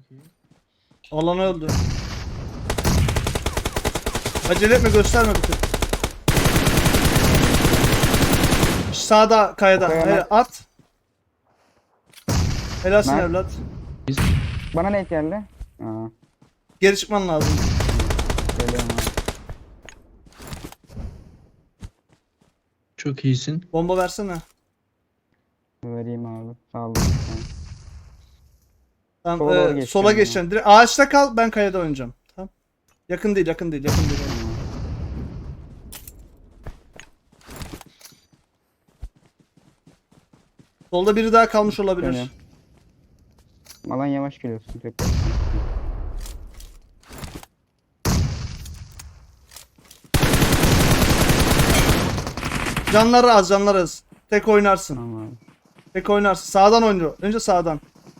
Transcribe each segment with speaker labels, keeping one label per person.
Speaker 1: Çok iyi.
Speaker 2: Alan öldü. Acele etme, gösterme bir tık. Sağda kayada.
Speaker 3: Kayada.
Speaker 2: Hele at. Helalsin
Speaker 3: Mert.
Speaker 2: evlat.
Speaker 3: Bana ne geldi? Aa,
Speaker 2: Geri çıkman lazım.
Speaker 3: geliyorum abi.
Speaker 1: Çok iyisin.
Speaker 2: Bomba versene.
Speaker 3: Vereyim abi. Sağ olun.
Speaker 2: Tamam,
Speaker 3: Sola doğru geçeceğim
Speaker 2: sola
Speaker 3: ya.
Speaker 2: geçeceksin. Direkt ağaçta kal, ben kayada oynayacağım. Tamam. Yakın değil, yakın değil, yakın değil.
Speaker 3: Tamam.
Speaker 2: Solda biri daha kalmış olabilir.
Speaker 3: Dönüyorum. Malan yavaş geliyorsun. Tek.
Speaker 2: Canları az, canları az. Tek oynarsın.
Speaker 3: Tamam abi.
Speaker 2: Tek oynarsın. Sağdan oynuyor. Önce sağdan.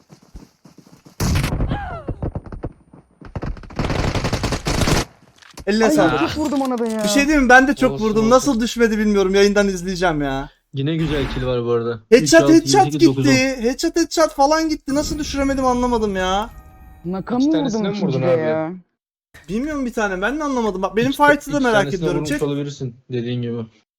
Speaker 2: Eline
Speaker 3: Ay
Speaker 2: sağlık.
Speaker 3: çok vurdum ona da ya.
Speaker 2: Bir şey diyeyim mi? Ben de çok
Speaker 1: Olsun,
Speaker 2: vurdum.
Speaker 1: olsun.
Speaker 2: Nasıl düşmedi bilmiyorum. Yayından izleyeceğim ya.
Speaker 1: Yine güzel kill var bu arada.
Speaker 2: Headshot
Speaker 1: 3, 6,
Speaker 2: headshot
Speaker 1: 7, 8, 9, 10.
Speaker 2: gitti. Headshot falan gitti. Nasıl düşüremedim anlamadım ya.
Speaker 3: Naka
Speaker 4: İki
Speaker 3: mı
Speaker 4: tanesine
Speaker 3: vurdum
Speaker 4: mi vurdun
Speaker 3: ikincide
Speaker 4: abi?
Speaker 3: ya?
Speaker 2: Bilmiyorum bir tane. Ben de anlamadım. Bak benim
Speaker 1: İki-
Speaker 2: fight'ı da
Speaker 1: iki
Speaker 2: merak
Speaker 1: tanesine
Speaker 2: ediyorum.
Speaker 1: vurmuş olabilirsin dediğin gibi.